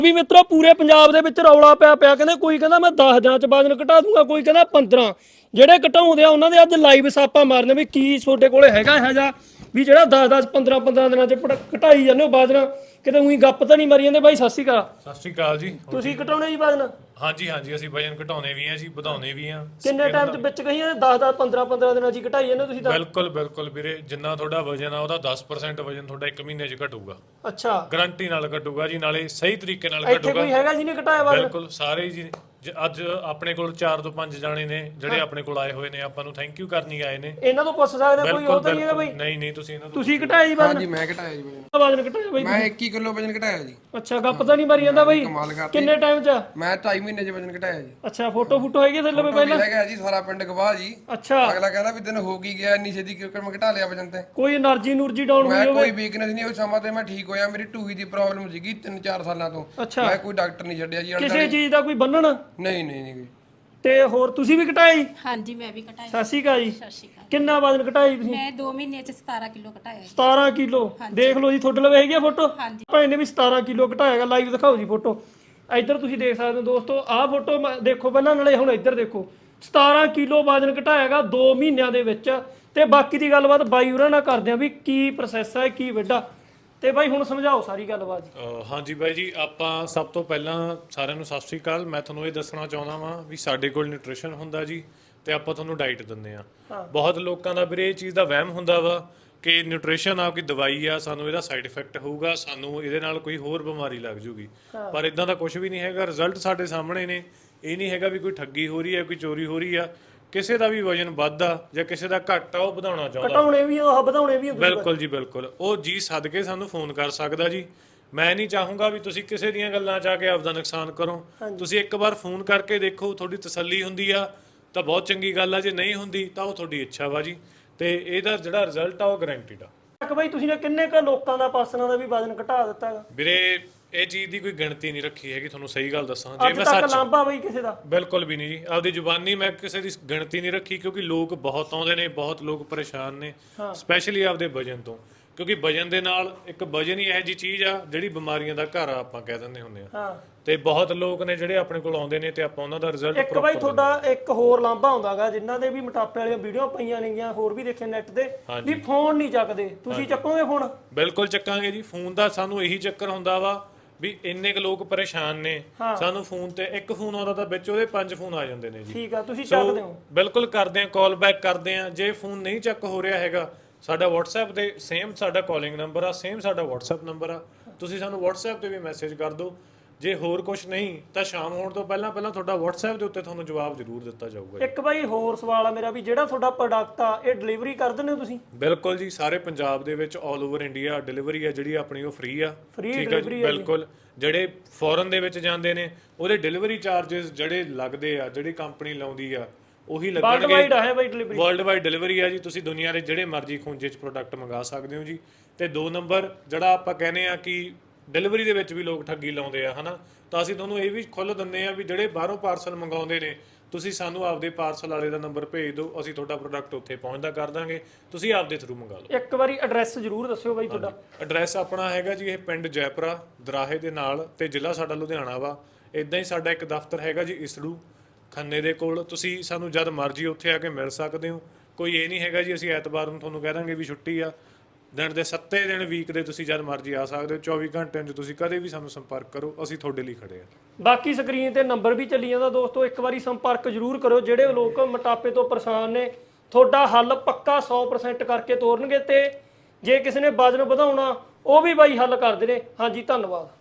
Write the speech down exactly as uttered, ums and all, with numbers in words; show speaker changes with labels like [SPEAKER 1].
[SPEAKER 1] ਵੀ ਮਿੱਤਰੋ ਪੂਰੇ ਪੰਜਾਬ ਦੇ ਵਿੱਚ ਰੌਲਾ ਪਿਆ ਪਿਆ ਕਹਿੰਦੇ ਕੋਈ ਕਹਿੰਦਾ ਮੈਂ ਦਸ ਦਿਨਾਂ ਚ ਵਜਨ ਘਟਾ ਦੂੰਗਾ, ਕੋਈ ਕਹਿੰਦਾ ਪੰਦਰਾਂ। ਜਿਹੜੇ ਘਟਾਉਂਦੇ ਆ ਉਹਨਾਂ ਦੇ ਅੱਜ ਲਾਈਵ ਸਾਪਾ ਮਾਰਨੇ ਵੀ ਕੀ ਤੁਹਾਡੇ ਕੋਲੇ ਹੈਗਾ ਇਹੋ ਜਿਹਾ ਵੀ ਜਿਹੜਾ ਦਸ ਦਸ ਪੰਦਰਾਂ ਪੰਦਰਾਂ ਦਿਨਾਂ ਚ ਘਟਾਈ ਜਾਂਦੇ ਹੋ ਵਜਨ, ਕਿਤੇ ਉਹੀ ਗੱਪ ਤਾਂ ਨਹੀਂ ਮਾਰੀ ਜਾਂਦੇ। ਬਾਈ ਸਤਿ ਸ਼੍ਰੀ ਅਕਾਲ।
[SPEAKER 2] ਸਤਿ ਸ਼੍ਰੀ ਅਕਾਲ ਜੀ।
[SPEAKER 1] ਤੁਸੀਂ ਘਟਾਉਣੇ ਜੀ ਵਜਨ?
[SPEAKER 2] ਹਾਂਜੀ ਹਾਂਜੀ ਅਸੀਂ ਵਜਨ ਘਟਾਉਣੇ ਵੀ ਆ ਜੀ, ਵਧਾਉਣੇ ਵੀ ਆ।
[SPEAKER 1] ਕਿੰਨੇ ਟਾਈਮ ਦੇ ਵਿੱਚ ਕਹੀਏ ਦਸ ਦਸ ਪੰਦਰਾਂ ਪੰਦਰਾਂ ਦਿਨਾਂ ਚ ਘਟਾਈ ਜਾਂਦੇ ਤੁਸੀਂ ਤਾਂ?
[SPEAKER 2] ਬਿਲਕੁਲ ਬਿਲਕੁਲ ਵੀਰੇ, ਜਿੰਨਾ ਤੁਹਾਡਾ ਵਜਨ ਆ ਉਹਦਾ ਦਸ ਪ੍ਰਸੈਂਟ ਵਜਨ ਤੁਹਾਡਾ ਇੱਕ ਮਹੀਨੇ ਚ ਘਟੂਗਾ।
[SPEAKER 1] ਅੱਛਾ,
[SPEAKER 2] ਗਾਰੰਟੀ ਨਾਲ ਘਟੂਗਾ ਜੀ, ਨਾਲੇ ਸਹੀ ਤਰੀਕੇ ਨਾਲ
[SPEAKER 1] ਇੱਥੇ
[SPEAKER 2] ਘਟੂਗਾ।
[SPEAKER 1] ਕੋਈ ਹੈਗਾ ਜਿਹਨੇ ਘਟਾਇਆ ਵਜਨ?
[SPEAKER 2] ਬਿਲਕੁਲ ਸਾਰੇ ਜੀ। ਅੱਜ ਆਪਣੇ ਕੋਲ ਚਾਰ ਤੋਂ ਪੰਜ ਜਾਣੇ ਨੇ ਜਿਹੜੇ ਆਪਣੇ ਕੋਲ ਆਏ ਹੋਏ ਨੇ, ਆਪਾਂ ਨੂੰ ਥੈਂਕ ਯੂ ਕਰਨੀ ਆਏ ਨੇ।
[SPEAKER 1] ਇਹਨਾਂ ਤੋਂ ਪੁੱਛ ਸਕਦੇ ਕੋਈ? ਉਹ ਤਾਂ ਨਹੀਂ ਹੈਗਾ ਬਾਈ?
[SPEAKER 2] ਨਹੀਂ ਨਹੀਂ, ਤੁਸੀਂ ਇਹਨਾਂ ਤੋਂ
[SPEAKER 1] ਤੁਸੀਂ ਘਟਾਇਆ ਜੀ ਵਜਨ?
[SPEAKER 3] ਹਾਂਜੀ ਮੈਂ ਘਟਾਇਆ ਜੀ ਵਜਨ।
[SPEAKER 1] ਵਜਨ ਘਟਾਇਆ ਬਾਈ?
[SPEAKER 3] ਮੈਂ ਇੱਕੀ ਕਿਲੋ ਵਜਨ ਘਟਾਇਆ ਜੀ।
[SPEAKER 1] ਅੱਛਾ, ਗੱਪ ਤਾਂ ਨਹੀਂ ਮਾਰੀ ਜਾਂਦਾ ਬਾਈ?
[SPEAKER 3] ਕਮਾਲ ਕਰਤੀ।
[SPEAKER 1] ਕਿੰਨੇ ਟਾਈਮ ਚ?
[SPEAKER 3] ਮੈਂ ਢਾਈ ਮਹੀਨੇ ਚ ਵਜਨ ਘਟਾਇਆ ਜੀ।
[SPEAKER 1] ਅੱਛਾ, ਫੋਟੋ ਫੋਟੋ ਹੈਗੀ ਥੱਲੇ ਪਹਿਲਾਂ?
[SPEAKER 3] ਹੈਗਾ ਜੀ, ਸਾਰਾ ਪਿੰਡ ਗਵਾਹ ਜੀ।
[SPEAKER 1] ਅੱਛਾ,
[SPEAKER 3] ਅਗਲਾ ਕਹਿੰਦਾ ਵੀ ਦਿਨ ਹੋ ਕੀ ਗਿਆ, ਇੰਨੀ ਛੇਤੀ ਕਿਉਂ ਮੈਂ ਘਟਾ ਲਿਆ ਵਜਨ ਤੇ।
[SPEAKER 1] ਕੋਈ એનર્ਜੀ ਨੂਰਜੀ ਡਾਊਨ ਹੋਈ
[SPEAKER 3] ਮੈਂ
[SPEAKER 1] ਹੋਵੇ?
[SPEAKER 3] ਕੋਈ ਵੀਕਨੈਸ ਨਹੀਂ, ਉਸ ਸਮਾਂ ਤੇ ਮੈਂ ਠੀਕ ਹੋਇਆ। ਮੇਰੀ ਟੂਹੀ ਦੀ ਪ੍ਰੋਬਲਮ ਸੀਗੀ ਤਿੰਨ ਚਾਰ ਸਾਲਾਂ ਤੋਂ।
[SPEAKER 1] ਅੱਛਾ,
[SPEAKER 3] ਮੈਂ ਕੋਈ ਡਾਕਟਰ ਨਹੀਂ ਛੱਡਿਆ ਜੀ।
[SPEAKER 1] ਕਿਸੇ ਚੀਜ਼ ਦਾ ਕੋਈ ਬੰਨਣ?
[SPEAKER 3] ਨਹੀਂ ਨਹੀਂ ਨਹੀਂ।
[SPEAKER 1] ਤੇ ਹੋਰ ਤੁਸੀਂ ਵੀ ਘਟਾਇਆ ਜੀ?
[SPEAKER 4] ਹਾਂਜੀ ਮੈਂ ਵੀ ਘਟਾਇਆ।
[SPEAKER 1] ਸਤਿ ਸ਼੍ਰੀ ਅਕਾਲ ਜੀ।
[SPEAKER 4] ਸਤਿ ਸ਼੍ਰੀ ਅਕਾਲ।
[SPEAKER 1] ਕਿੰਨਾ ਵਜਨ ਘਟਾਇਆ ਜੀ ਤੁਸੀਂ?
[SPEAKER 4] ਮੈਂ ਦੋ ਮਹੀਨੇ ਚ ਸਤਾਰਾਂ ਕਿਲੋ ਘਟਾਇਆ ਜੀ।
[SPEAKER 1] ਸਤਾਰਾਂ ਕਿਲੋ? ਦੇਖ ਲਓ ਜੀ, ਤੁਹਾਡੇ ਲਵੇ ਹੈਗੀ ਆ ਫੋਟੋ?
[SPEAKER 4] ਹਾਂਜੀ।
[SPEAKER 1] ਭਾਈ ਨੇ ਵੀ ਸਤਾਰਾਂ ਕਿਲੋ ਘਟਾਇਆਗਾ। ਲਾਈਵ ਦਿਖਾਓ ਜੀ ਫੋਟੋ। ਇੱਧਰ ਤੁਸੀਂ ਦੇਖ ਸਕਦੇ ਹੋ ਦੋਸਤੋ, ਆਹ ਫੋਟੋ ਦੇਖੋ ਪਹਿਲਾਂ, ਨਾਲੇ ਹੁਣ ਇੱਧਰ ਦੇਖੋ। ਸਤਾਰਾਂ ਕਿਲੋ ਵਜਨ ਘਟਾਇਆਗਾ ਦੋ ਮਹੀਨਿਆਂ ਦੇ ਵਿੱਚ। ਤੇ ਬਾਕੀ ਦੀ ਗੱਲਬਾਤ ਬਾਈ ਉਹਨਾਂ ਨਾਲ ਕਰਦੇ ਆ ਵੀ ਕੀ ਪ੍ਰੋਸੈਸ ਹੈ, ਕੀ ਵੱਡਾ। ਤੇ ਬਾਈ ਹੁਣ ਸਮਝਾਓ ਸਾਰੀ ਗੱਲਬਾਤ ਜੀ।
[SPEAKER 2] ਹਾਂਜੀ ਬਾਈ ਜੀ, ਆਪਾਂ ਸਭ ਤੋਂ ਪਹਿਲਾਂ ਸਾਰਿਆਂ ਨੂੰ ਸਤਿ ਸ਼੍ਰੀ ਅਕਾਲ। ਮੈਂ ਤੁਹਾਨੂੰ ਇਹ ਦੱਸਣਾ ਚਾਹੁੰਦਾ ਵਾਂ ਵੀ ਸਾਡੇ ਕੋਲ ਨਿਊਟ੍ਰੀਸ਼ਨ ਹੁੰਦਾ ਜੀ, ਤੇ ਆਪਾਂ ਤੁਹਾਨੂੰ ਡਾਈਟ ਦਿੰਦੇ ਆ। ਬਹੁਤ ਲੋਕਾਂ ਦਾ ਵੀਰੇ ਇਹ ਚੀਜ਼ ਦਾ ਵਹਿਮ ਹੁੰਦਾ ਵਾ ਕਿ ਨਿਊਟ੍ਰੀਸ਼ਨ ਆ ਕੋਈ ਦਵਾਈ ਆ, ਸਾਨੂੰ ਇਹਦਾ ਸਾਈਡ ਇਫੈਕਟ ਹੋਊਗਾ, ਸਾਨੂੰ ਇਹਦੇ ਨਾਲ ਕੋਈ ਹੋਰ ਬਿਮਾਰੀ ਲੱਗ ਜੂਗੀ। ਪਰ ਇਦਾਂ ਦਾ ਕੁਝ ਵੀ ਨਹੀਂ ਹੈਗਾ। ਰਿਜ਼ਲਟ ਸਾਡੇ ਸਾਹਮਣੇ ਨੇ। ਇਹ ਨਹੀਂ ਹੈਗਾ ਵੀ ਕੋਈ ਠੱਗੀ ਹੋ ਰਹੀ ਹੈ, ਕੋਈ ਚੋਰੀ ਹੋ ਰਹੀ ਆ। ਕਿਸੇ ਦਾ ਵੀ ਵਜਨ ਵੱਧਦਾ ਜਾਂ ਕਿਸੇ ਦਾ ਘੱਟ ਆ, ਉਹ ਵਧਾਉਣਾ ਚਾਹੁੰਦਾ,
[SPEAKER 1] ਘਟਾਉਣੇ ਵੀ ਆ ਵਧਾਉਣੇ ਵੀ ਆ।
[SPEAKER 2] ਬਿਲਕੁਲ ਜੀ ਬਿਲਕੁਲ। ਉਹ ਜੀ ਸਦਕੇ ਸਾਨੂੰ ਫੋਨ ਕਰ ਸਕਦਾ ਜੀ। ਮੈਂ ਨਹੀਂ ਚਾਹੂੰਗਾ ਵੀ ਤੁਸੀਂ ਕਿਸੇ ਦੀਆਂ ਗੱਲਾਂ ਚ ਆ ਕੇ ਆਪਦਾ ਨੁਕਸਾਨ ਕਰੋ। ਤੁਸੀਂ ਇੱਕ ਵਾਰ ਫੋਨ ਕਰਕੇ ਦੇਖੋ, ਤੁਹਾਡੀ ਤਸੱਲੀ ਹੁੰਦੀ ਆ ਤਾਂ ਬਹੁਤ ਚੰਗੀ ਗੱਲ ਆ, ਜੇ ਨਹੀਂ ਹੁੰਦੀ ਤਾਂ ਉਹ ਤੁਹਾਡੀ ਇੱਛਾ ਵਾ ਜੀ। ਤੇ ਇਹਦਾ ਜਿਹੜਾ ਰਿਜ਼ਲਟ ਆ ਉਹ ਗਾਰੰਟੀਡ ਆ।
[SPEAKER 1] ਬਾਈ ਤੁਸੀਂ ਨੇ ਕਿੰਨੇ ਕ ਲੋਕਾਂ ਦਾ ਪਰਸਨਾਂ ਦਾ ਵੀ ਵਜਨ ਘਟਾ ਦਿੱਤਾ ਹੈਗਾ?
[SPEAKER 2] ਵੀਰੇ ਇਹ ਚੀਜ਼ ਦੀ ਕੋਈ ਗਿਣਤੀ ਨਹੀਂ ਰੱਖੀ ਹੈਗੀ, ਤੁਹਾਨੂੰ ਸਹੀ ਗੱਲ ਦੱਸਾਂ।
[SPEAKER 1] ਜੇ ਮੈਂ ਸੱਚ ਲਾਂਭਾ ਬਈ ਕਿਸੇ ਦਾ? ਬਿਲਕੁਲ
[SPEAKER 2] ਵੀ ਨਹੀਂ ਜੀ, ਆਪਦੀ ਜ਼ੁਬਾਨੀ ਮੈਂ ਕਿਸੇ ਦੀ ਗਿਣਤੀ ਨਹੀਂ ਰੱਖੀ, ਕਿਉਂਕਿ ਲੋਕ ਬਹੁਤ ਆਉਂਦੇ ਨੇ, ਬਹੁਤ ਲੋਕ ਪਰੇਸ਼ਾਨ ਨੇ, ਸਪੈਸ਼ਲੀ ਆਪਦੇ ਵਜਨ ਤੋਂ। ਕਿਉਂਕਿ ਵਜਨ ਦੇ ਨਾਲ ਇੱਕ ਵਜਨ ਹੀ ਇਹੋ ਜਿਹੀ ਚੀਜ਼ ਆ ਜਿਹੜੀ ਬਿਮਾਰੀਆਂ ਦਾ ਘਰ ਆ, ਆਪਾਂ ਕਹਿ ਦਿੰਦੇ ਹੁੰਦੇ ਆ। ਤੇ ਬਹੁਤ ਲੋਕ ਨੇ ਜਿਹੜੇ ਆਪਣੇ ਕੋਲ ਆਉਂਦੇ ਨੇ ਤੇ ਆਪਾਂ ਉਹਨਾਂ ਦਾ ਰਿਜ਼ਲਟ
[SPEAKER 1] ਇੱਕ ਬਾਈ ਤੁਹਾਡਾ ਇੱਕ ਹੋਰ ਲਾਂਭਾ ਹੁੰਦਾਗਾ, ਜਿਨ੍ਹਾਂ ਦੇ ਵੀ ਮੋਟਾਪੇ ਵਾਲੀਆਂ ਵੀਡੀਓ ਪਈਆਂ ਨੇਗੀਆਂ, ਹੋਰ ਵੀ ਦੇਖੇ ਨੈਟ ਤੇ, ਵੀ ਫੋਨ ਨਹੀਂ ਚੱਕਦੇ। ਤੁਸੀਂ ਚੱਕੋਗੇ ਫੋਨ?
[SPEAKER 2] ਬਿਲਕੁਲ ਚੱਕਾਂਗੇ ਜੀ। ਫੋਨ ਦਾ ਸਾਨੂੰ ਇਹੀ ਚੱਕਰ ਹੁੰਦਾ ਵਾ ਵੀ ਇੰਨੇ ਕੁ ਲੋਕ ਪਰੇਸ਼ਾਨ ਨੇ, ਸਾਨੂੰ ਫੋਨ ਤੇ ਇੱਕ ਫੋਨ ਆਉਂਦਾ ਤਾਂ ਵਿੱਚ ਉਹਦੇ ਪੰਜ ਫੋਨ ਆ ਜਾਂਦੇ ਨੇ ਜੀ।
[SPEAKER 1] ਠੀਕ ਆ, ਤੁਸੀਂ ਚੱਕਦੇ ਹੋ?
[SPEAKER 2] ਬਿਲਕੁਲ ਕਰਦੇ ਆ, ਕਾਲ ਬੈਕ ਕਰਦੇ ਆ। ਜੇ ਫੋਨ ਨਹੀਂ ਚੱਕ ਹੋ ਰਿਹਾ ਹੈਗਾ, ਸਾਡਾ WhatsApp ਤੇ ਸੇਮ ਸਾਡਾ ਕਾਲਿੰਗ ਨੰਬਰ ਆ, ਸੇਮ ਸਾਡਾ WhatsApp ਨੰਬਰ ਆ, ਤੁਸੀਂ ਸਾਨੂੰ WhatsApp ਤੇ ਵੀ ਮੈਸੇਜ ਕਰ ਦਿਓ। ਜੇ ਹੋਰ ਕੁਝ ਨਹੀਂ ਤਾਂ ਸ਼ਾਮ ਹੋਣ ਤੋਂ ਪਹਿਲਾਂ ਪਹਿਲਾਂ ਤੁਹਾਡਾ WhatsApp ਦੇ ਉੱਤੇ ਤੁਹਾਨੂੰ ਜਵਾਬ ਜ਼ਰੂਰ ਦਿੱਤਾ ਜਾਊਗਾ।
[SPEAKER 1] ਇੱਕ ਬਾਈ ਹੋਰ ਸਵਾਲ ਆ ਮੇਰਾ, ਵੀ ਜਿਹੜਾ ਤੁਹਾਡਾ ਪ੍ਰੋਡਕਟ ਆ ਇਹ ਡਿਲੀਵਰੀ ਕਰ ਦਿੰਦੇ ਹੋ ਤੁਸੀਂ?
[SPEAKER 2] ਬਿਲਕੁਲ ਜੀ, ਸਾਰੇ ਪੰਜਾਬ ਦੇ ਵਿੱਚ ਆਲ ਓਵਰ ਇੰਡੀਆ ਡਿਲੀਵਰੀ ਆ ਜਿਹੜੀ ਆਪਣੀ ਉਹ ਫ੍ਰੀ ਆ।
[SPEAKER 1] ਫ੍ਰੀ
[SPEAKER 2] ਠੀਕ ਹੈ ਜੀ, ਬਿਲਕੁਲ। ਜਿਹੜੇ ਫੋਰਨ ਦੇ ਵਿੱਚ ਜਾਂਦੇ ਨੇ ਉਹਦੇ ਡਿਲੀਵਰੀ ਚਾਰजेस ਜਿਹੜੇ ਲੱਗਦੇ ਆ, ਜਿਹੜੀ ਕੰਪਨੀ ਲਾਉਂਦੀ ਆ, ਉਹੀ ਲੱਗਣਗੇ।
[SPEAKER 1] ਵਰਲਡ ਹੈ by delivery?
[SPEAKER 2] Worldwide delivery ਆ ਜੀ। ਤੁਸੀਂ ਦੁਨੀਆ ਦੇ ਜਿਹੜੇ ਮਰਜ਼ੀ ਖੂੰਜੇ 'ਚ ਪ੍ਰੋਡਕਟ ਮੰਗਾ ਸਕਦੇ ਹੋ ਜੀ। ਤੇ ਦੋ ਨੰਬਰ ਜਿਹੜਾ ਆਪਾਂ ਕਹਿੰਦੇ ਆ ਕਿ ਡਿਲੀਵਰੀ ਦੇ ਵਿੱਚ ਵੀ ਲੋਕ ਠੱਗੀ ਲਾਉਂਦੇ ਆ, ਹਨਾ, ਤਾਂ ਅਸੀਂ ਤੁਹਾਨੂੰ ਇਹ ਵੀ ਖੁੱਲ੍ਹ ਦਿੰਦੇ ਆ ਵੀ ਜਿਹੜੇ ਬਾਹਰੋਂ ਪਾਰਸਲ ਮੰਗਾਉਂਦੇ ਨੇ, ਤੁਸੀਂ ਸਾਨੂੰ ਆਪਦੇ ਪਾਰਸਲ ਵਾਲੇ ਦਾ ਨੰਬਰ ਭੇਜ ਦਿਓ, ਅਸੀਂ ਤੁਹਾਡਾ ਪ੍ਰੋਡਕਟ ਉੱਥੇ ਪਹੁੰਚਦਾ ਕਰ ਦਾਂਗੇ, ਤੁਸੀਂ ਆਪਦੇ ਥਰੂ ਮੰਗਾ ਲਓ।
[SPEAKER 1] ਇੱਕ ਵਾਰੀ ਐਡਰੈਸ ਜ਼ਰੂਰ ਦੱਸਿਓ ਬਾਈ ਤੁਹਾਡਾ।
[SPEAKER 2] ਐਡਰੈਸ ਆਪਣਾ ਹੈਗਾ ਜੀ, ਇਹ ਪਿੰਡ ਜੈਪੁਰਾ ਦਰਾਹੇ ਦੇ ਨਾਲ, ਤੇ ਜ਼ਿਲ੍ਹਾ ਸਾਡਾ ਲੁਧਿਆਣਾ ਵਾ। ਇਦਾਂ ਹੀ ਸਾਡਾ ਇੱਕ ਦਫ਼ਤਰ ਹੈਗਾ ਜੀ ਇਸੜੂ ਖੰਨੇ ਦੇ ਕੋਲ। ਤੁਸੀਂ ਸਾਨੂੰ ਜਦ ਮਰਜ਼ੀ ਉੱਥੇ ਆ ਕੇ ਮਿਲ ਸਕਦੇ ਹੋ। ਕੋਈ ਇਹ ਨਹੀਂ ਹੈਗਾ ਜੀ ਅਸੀਂ ਐਤਵਾਰ ਨੂੰ ਤੁਹਾਨੂੰ ਕਹਿ ਦਾਂਗੇ ਵੀ ਛੁੱਟੀ ਆ। ਦਿਨ ਦੇ ਸੱਤੇ ਦਿਨ ਵੀਕ ਦੇ ਤੁਸੀਂ ਜਦ ਮਰਜ਼ੀ ਆ ਸਕਦੇ ਹੋ। ਚੌਵੀ ਘੰਟਿਆਂ 'ਚ ਤੁਸੀਂ ਕਦੇ ਵੀ ਸਾਨੂੰ ਸੰਪਰਕ ਕਰੋ, ਅਸੀਂ ਤੁਹਾਡੇ ਲਈ ਖੜੇ ਆ।
[SPEAKER 1] ਬਾਕੀ ਸਕਰੀਨ ਤੇ ਨੰਬਰ ਵੀ ਚੱਲੀ ਜਾਂਦਾ ਦੋਸਤੋ, ਇੱਕ ਵਾਰੀ ਸੰਪਰਕ ਜ਼ਰੂਰ ਕਰੋ। ਜਿਹੜੇ ਲੋਕ ਮੋਟਾਪੇ ਤੋਂ ਪਰੇਸ਼ਾਨ ਨੇ, ਤੁਹਾਡਾ ਹੱਲ ਪੱਕਾ ਸੌ ਪ੍ਰਸੈਂਟ ਕਰਕੇ ਤੋਰਨਗੇ। ਤੇ ਜੇ ਕਿਸੇ ਨੇ ਵਜਨ ਵਧਾਉਣਾ, ਉਹ ਵੀ ਬਾਈ ਹੱਲ ਕਰਦੇ ਨੇ। ਹਾਂਜੀ, ਧੰਨਵਾਦ।